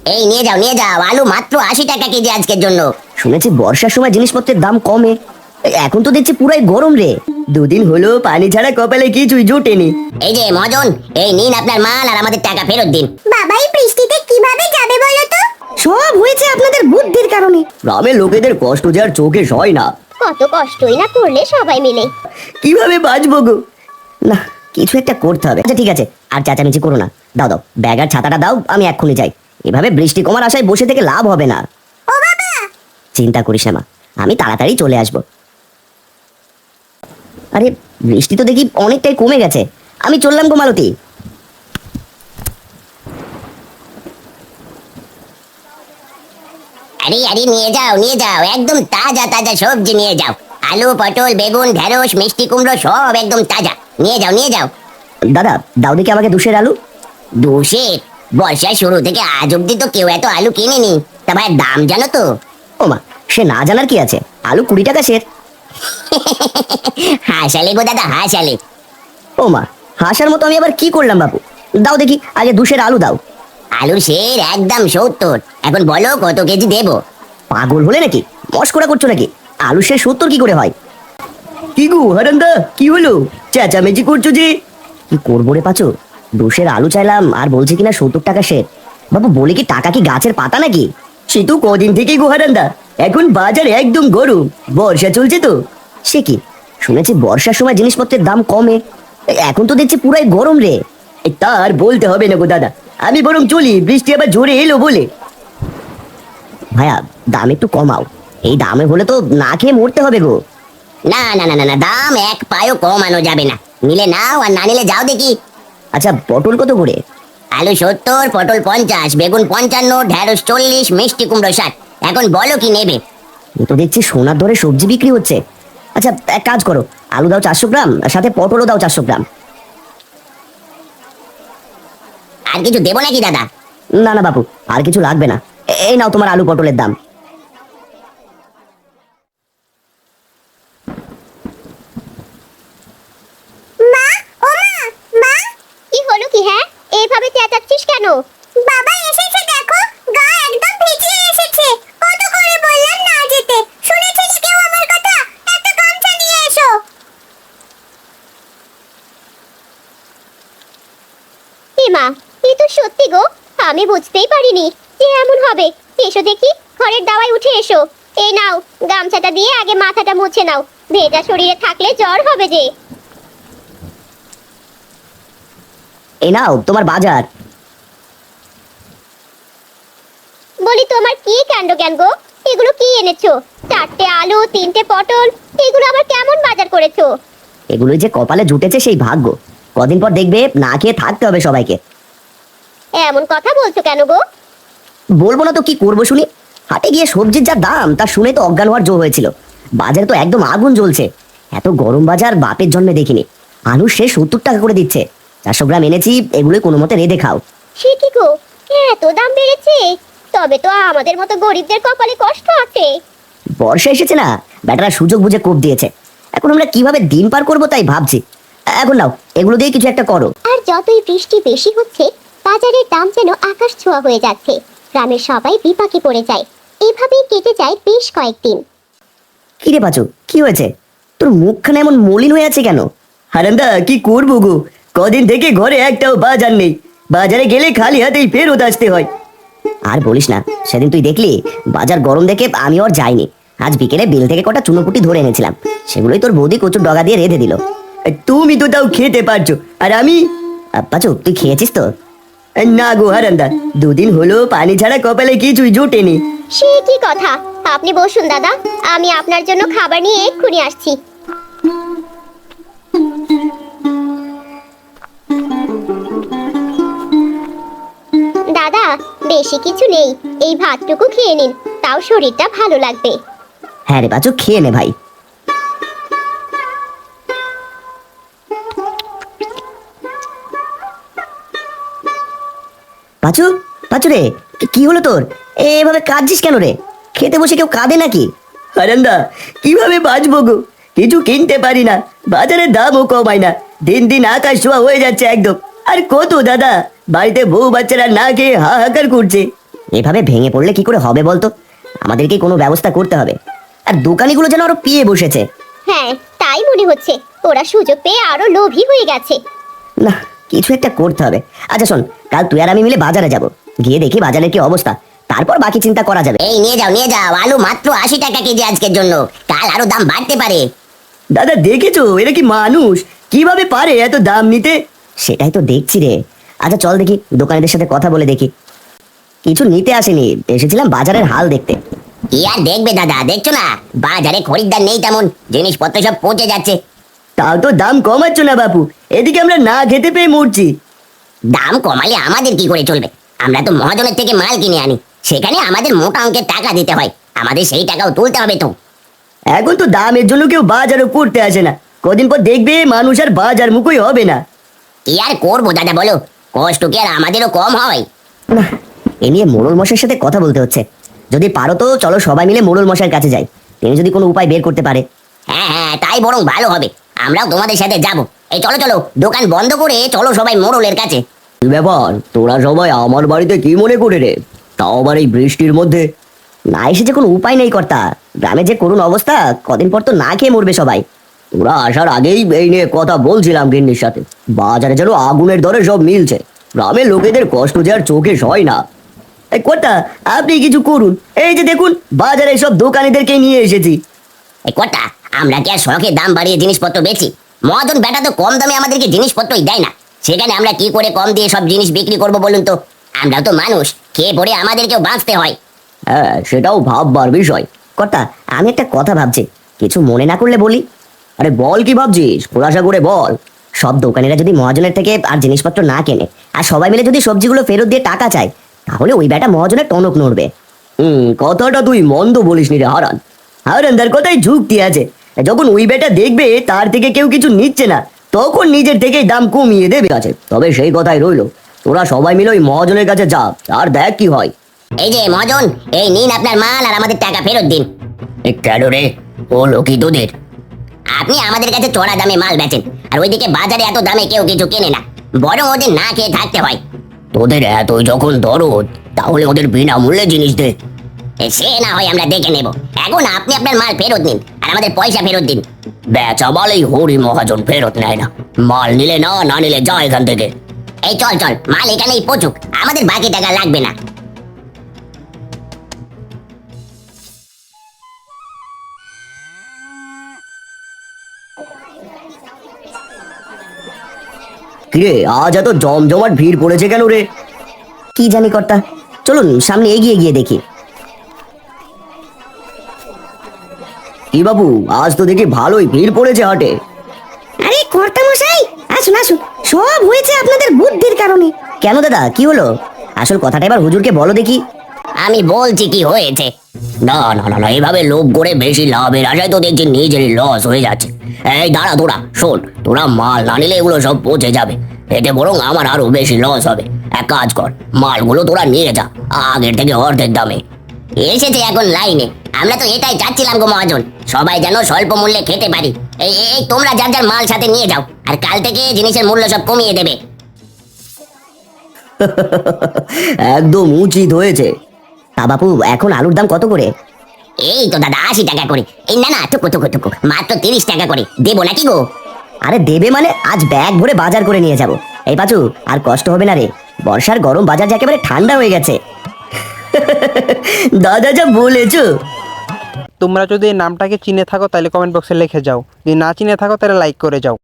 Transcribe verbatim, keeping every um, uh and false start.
এই নিয়ে যাও নিয়ে যাও, আলু মাত্র আশি টাকা কেজি আজকের জন্য। শুনেছি বর্ষার সময় জিনিসপত্রের দাম কমে, এখন তো দেখছি পুরাই গরম রে। দুদিন হলো পানি ছাড়া কপালে কিছুই জোটেনি। এই যে মহাজন, এই নিন আপনার মাল আর আমাদের টাকা ফেরত দিন। বাবা এই বৃষ্টিতে কিভাবে যাবে বলো তো? সব হয়েছে আপনাদের বুদ্ধির কারণে। গ্রামের লোকেদের কষ্ট যে আর চোখে সয় না। কত কষ্টই না করলে সবাই মিলে। কিভাবে বাঁচবো গো? না, কিছু একটা করতে হবে। আচ্ছা ঠিক আছে, আর চেঁচামেচি করো না। দাও দাও ব্যাগ আর ছাতাটা দাও, আমি এক্ষুনি যাই। এভাবে বৃষ্টি কমার আশায় বসে থেকে লাভ হবে না। ও বাবা, চিন্তা করিস না মা, আমি তাড়াতাড়ি চলে আসবো। আরে বৃষ্টি তো দেখি অনেকটাই কমে গেছে, আমি চললাম গো মালতী। আরে আরে নিয়ে যাও নিয়ে যাও, একদম তাজা তাজা সবজি নিয়ে যাও। আলু, পটল, বেগুন, ঢেঁড়স, মিষ্টি কুমড়ো সব একদম তাজা। নিয়ে যাও নিয়ে যাও। দাদা দাও দেখি আমাকে দুশের আলু। দুশের? বর্ষার শুরু থেকে আজ অব্দি তো কেউ এত আলু কিনেনি। তা ভাই দাম জানো তো? ও মা, সে না জানার কি আছে, আলু কুড়ি টাকা সের। হাসালে গো দাদা হাসালে। ও মা, হাসার মতো আমি আবার কি করলাম বাবু? দাও দেখি আগে দুশের আলু দাও। আলুর শের একদম সত্তর। এখন বলো কত কেজি দেবো? পাগল হলে নাকি? মস্করা করছো নাকি? আলু সে সত্তর কি করে হয়? কি গো হারান্দা, কি হলো? চেঁচামেচি করছো যে? কি করবো রে পাচু, দুশের আলু চাইলাম আর বলছে কিনা সত্তর টাকা শের। বাবু বলে কি টাকা কি গাছের পাতা নাকি? সে তো কদিন থেকেই গো হারান্দা, এখন বাজার একদম গরম, বর্ষা চলছে তো। সে কি, শুনেছি বর্ষার সময় জিনিসপত্রের দাম কমে, এখন তো দেখছি পুরাই গরম রে। তার বলতে হবে না গো দাদা, আমি বরং চলি, বৃষ্টি আবার জোরে এলো বলে। ভাইয়া দাম একটু কমাও, এই দামে হলে তো না খেয়ে মরতে হবে গো। না না না না না, দাম এক পায়ও কমানো যাবে না। নিলে নাও আর না নিলে যাও দেখি। আচ্ছা পটল কত করে? আলু সত্তর, পটল পঞ্চাশ, বেগুন পঞ্চান্ন, ঢেঁড়স চল্লিশ, মিষ্টি কুমড়ো ষাট। এখন বলো কি নেবে? এ তো দেখছি সোনার দরে সবজি বিক্রি হচ্ছে। আচ্ছা এক কাজ করো, আলু দাও চারশো গ্রাম, আর সাথে পটলও দাও চারশো গ্রাম। আর কিছু দেবো নাকি দাদা? না না বাবু, আর কিছু লাগবে না। এ- এই নাও তোমার আলু পটলের দাম। মা, ও মা, মা। কি হলো কি? হ্যাঁ এইভাবে চেঁচাচ্ছিস কেন? বাবা এসেছে দেখো, গা একদম ভিজিয়ে এসেছে। কত করে বললাম না যেতে, শুনেছিস কেউ আমার কথা? একটা গামছা নিয়ে এসো। এ মা, এ তো সত্যি গো, আমি বুঝতেই পারিনি যে এমন হবে। এসো দেখি, ঘরের দাওয়ায় উঠে এসো। এই নাও গামছাটা দিয়ে আগে মাথাটা মুছে নাও, ভেজা শরীরে থাকলে জ্বর হবে যে। এই নাও তোমার বাজার। বলি তোমার কি কাণ্ড জ্ঞান গো, এগুলো কি এনেছো? চারটে আলু, তিনটে পটল, এগুলো আবার কেমন বাজার করেছো? এগুলোই যে কপালে জুটেছে সেই ভাগ্য, কদিন পর দেখবে না খেয়ে থাকতে হবে সবাইকে। এমন কথা বলছো কেন গো? বলবো না তো কি করবো শুনি। হাটে গিয়ে সবজির যা দাম তা শুনে তো অজ্ঞান হওয়ার জো হয়েছিল। বাজারে তো একদম আগুন জ্বলছে, এত গরম বাজার বাপের জন্মে দেখিনি। আলু সে সত্তর টাকা করে দিচ্ছে, চারশো গ্রাম এনেছি, এগুলোই কোনো মতে রেঁধে খাও। সে কি গো, এত দাম বেড়েছে? তবে তো আমাদের মতো গরিবদের কপালে কষ্ট আছে। বর্ষা এসেছে না, ব্যাটারা সুযোগ বুঝে কোপ দিয়েছে। এখন আমরা কিভাবে দিন পার করবো তাই ভাবছি। এখন নাও এগুলো দিয়ে কিছু একটা করো। আর যতই বৃষ্টি বেশি হচ্ছে, বাজারের দাম যেন আকাশ ছোঁয়া হয়ে যাচ্ছে। গ্রামের সবাই বিপাকে পড়ে যায়। এভাবেই কেটে যায় বেশ কয়েকদিন। কি রে পাচু, কি হয়েছে? তোর মুখখানে এমন মলিন হয়ে আছে কেন? হারান্দা কি করবো গো, কদিন থেকে ঘরে একটাও বাজার নেই, বাজারে গেলে খালি হাতেই ফেরত আসতে হয়। আর বলিস না, সেদিন তুই দেখলি বাজার গরম দেখে আমি আর যাইনি। আজ বিকেলে বিল থেকে কটা চুনোপুটি ধরে এনেছিলাম, সেগুলোই তোর বৌদি কচুর ডগা দিয়ে রেঁধে দিল। তুমি তো তাও খেতে পারছো, আর আমি? পাচু তুই খেয়েছিস তো? না গো হারান্দা, দুদিন হলো পানি ছাড়া কপালে কিছুই জোটেনি। সে কি কথা? আপনি বসুন দাদা, আমি আপনার জন্য খাবার নিয়ে এক্ষুনি আসছি। দাদা বেশি কিছু নেই, এই ভাতটুকু খেয়ে নিন, তাও শরীরটা ভালো লাগবে। হ্যাঁ রে পাচু, খেয়ে নে ভাই। পাচু, পাচু রে, কি- কি হলো তোর? এভাবে কাঁদছিস কেন রে? খেতে বসে কেউ কাঁদে নাকি? হারান্দা কিভাবে বাঁচবো গো, কিছু কিনতে পারি না, বাজারে দামও কমায় না, দিন দিন আকাশ ছোঁয়া হয়ে যাচ্ছে একদম। আর কত দাদা, বাড়িতে বউ বাচ্চারা না খেয়ে হাহাকার করছে। এভাবে ভেঙে পড়লে কি করে হবে বলতো? আমাদেরকে কোনো ব্যবস্থা করতে হবে। আর দোকানিগুলো যেন আরো পিয়ে বসেছে। হ্যাঁ, তাই মনে হচ্ছে ওরা সুযোগ পেয়ে আরো লোভী হয়ে গেছে। না, কিছু একটা করতে হবে। আচ্ছা শোন, কাল তুই আর আমি মিলে বাজারে যাব, গিয়ে দেখি বাজারের কি অবস্থা, তারপর বাকি চিন্তা করা যাবে। এই নিয়ে যাও নিয়ে যাও, আলু মাত্র আশি টাকা কেজি আজকের জন্য, কাল আরো দাম বাড়তে পারে। দাদা দেখেছো এরা কি মানুষ, কিভাবে পারে এত দাম নিতে? সেটাই তো দেখছি রে। আচ্ছা চল দেখি দোকানিদের সাথে কথা বলে দেখি। কিছু নিতে আসেনি, এসেছিলাম বাজারের হাল দেখতে। কি আর দেখবে দাদা, দেখছো না বাজারে খরিদ্দার নেই তেমন, জিনিসপত্র সব পচে যাচ্ছে। তাও তো দাম কমাচ্ছ না বাপু, এদিকে আমরা না খেতে পেয়ে মরছি। দাম কমালে আমাদের কি করে চলবে? আমরা তো মহাজনের থেকে মাল কিনে আনি, সেখানে আমাদের মোটা অঙ্কের টাকা দিতে হয়, আমাদের সেই টাকাও তুলতে হবে তো। এখন তো দামের জন্য কেউ বাজারও করতে আসে না, কদিন পর দেখবে মানুষ আর বাজার মুখই হবে না। কি আর করবো দাদা বলো, কষ্ট কি আর আমাদেরও কম হয়? না, এ নিয়ে মোড়ল মশাইয়ের সাথে কথা বলতে হচ্ছে। যদি পারো তো চলো সবাই মিলে মোড়ল মশাইয়ের কাছে যাই, তিনি যদি কোনো উপায় বের করতে পারে। হ্যাঁ হ্যাঁ, তাই বরং ভালো হবে, আমরাও তোমাদের সাথে যাব। এই চলো চলো, দোকান বন্ধ করে চলো সবাই মোড়লের কাছে। কি ব্যাপার, তোরা সবাই আমার বাড়িতে কি মনে করে রে? তাও আবার এই বৃষ্টির মধ্যে? না এসে যে কোনো উপায় নেই কর্তা, গ্রামে যে করুণ অবস্থা, কদিন পর তো না খেয়ে মরবে সবাই। তোরা আসার আগেই এই নিয়ে কথা বলছিলাম গিন্নির সাথে, বাজারে যেন আগুনের দরে সব মিলছে, গ্রামের লোকেদের কষ্ট যে আর চোখে সয় না। এই কর্তা আপনি কিছু করুন, এই যে দেখুন বাজারে সব দোকানিদেরকে নিয়ে এসেছি। এই কটা, আমরা কি আর শখে দাম বাড়িয়ে জিনিসপত্র বেচি? মহাজন বেটা তো কম দামে আমাদেরকে জিনিসপত্রই দেয় না, সেখানে আমরা কি করে কম দিয়ে সব জিনিস বিক্রি করব বলুন তো? আমরাও তো মানুষ, খেয়ে পড়ে আমাদেরকেও বাঁচতে হয়। হ্যাঁ সেটাও ভাববার বিষয়। কর্তা আমি একটা কথা ভাবছি, কিছু মনে না করলে বলি। আরে বল, কি ভাবছিস, খোলাসা করে বল। সব দোকানিরা যদি মহাজনের থেকে আর জিনিসপত্র না কেনে, আর সবাই মিলে যদি সবজিগুলো ফেরত দিয়ে টাকা চায়, তাহলে ওই বেটা মহাজনের টনক নড়বে। হুম, কথাটা তুই মন্দ বলিস নি রে হারান। হারানদার কথাই যুক্তি আছে। যখন ওই বেটা দেখবে তার থেকে কেউ কিছু নিচ্ছে না, তখন নিজের থেকেই দাম কমিয়ে দেবে আছে। তবে সেই কথাই রইলো, তোরা সবাই মিলে ওই মহাজনের কাছে যা, আর দেখ কি হয়। এই যে মহাজন, এই নিন আপনার মাল আর আমাদের টাকা ফেরত দিন। কেন রে, ও লোকি তোদের? আপনি আমাদের কাছে চড়া দামে মাল বেচেন, আর ওইদিকে বাজারে এত দামে কেউ কিছু কেনে না, বরং ওদের না খেয়ে থাকতে হয়। তোদের এতই যখন দরদ, তাহলে ওদের বিনামূল্যে জিনিস দে। এ, সে না হয় আমরা দেখে নেব, এখন আপনি আপনার মাল ফেরত নিন আর আমাদের পয়সা ফেরত দিন। বেচা মালেই হরি মহাজন ফেরত নেয় না, মাল নিলে না, না নিলে যা এখান থেকে। এই চল চল, মাল এখানেই পচুক, আমাদের বাকি টাকা লাগবে না। কিরে, আজ এত জমজমাট ভিড় পড়েছে কেন রে? কি জানি কর্তা, চলুন সামনে এগিয়ে গিয়ে দেখি। কি বাবু, আজ তো দেখি ভালোই ভিড় পড়েছে হাটে। আরে কর্তা মশাই, আসুন আসুন, সব হয়েছে আপনাদের বুদ্ধির কারণে। কেন দাদা, কি হলো? আসল কথাটা এবার হুজুরকে বলো দেখি। আমি বলছি কি হয়েছে। না না না না, এভাবে লোভ করে বেশি লাভের আশায় তো দেখছি নিজেরই লস হয়ে যাচ্ছে। এই দাঁড়া তোরা, শোন, তোরা মাল না নিলে এগুলো সব পচে যাবে, এতে বরং আমার আরো বেশি লস হবে। এক কাজ কর, মালগুলো তোরা নিয়ে যা আগের থেকে অর্ধেক দামে। এসেছে এখন লাইনে, আমরা তো এটাই চাচ্ছিলাম গো মহাজন, সবাই যেন স্বল্প মূল্যে খেতে পারি। এই এই- এই তোমরা যার যার মাল সাথে নিয়ে যাও, আর কাল থেকে জিনিসের মূল্য সব কমিয়ে দেবে। একদম উচিত হয়েছে। তা বাপু, এখন আলুর দাম কত করে? এই তো দাদা আশি টাকা করে। এই না না, টুকু টুকু টুকু, মাত্র তিরিশ টাকা করে দেবো নাকি গো? আরে দেবে মানে, আজ ব্যাগ ভরে বাজার করে নিয়ে যাব। এই পাচু, আর কষ্ট হবে না রে, বর্ষার গরম বাজার যে একেবারে ঠান্ডা হয়ে গেছে। দাদা যা বলেছো। তোমরা যদি এই নামটাকে চিনে থাকো তাহলে কমেন্ট বক্সে লিখে যাও, যদি না চিনে থাকো তাহলে লাইক করে যাও।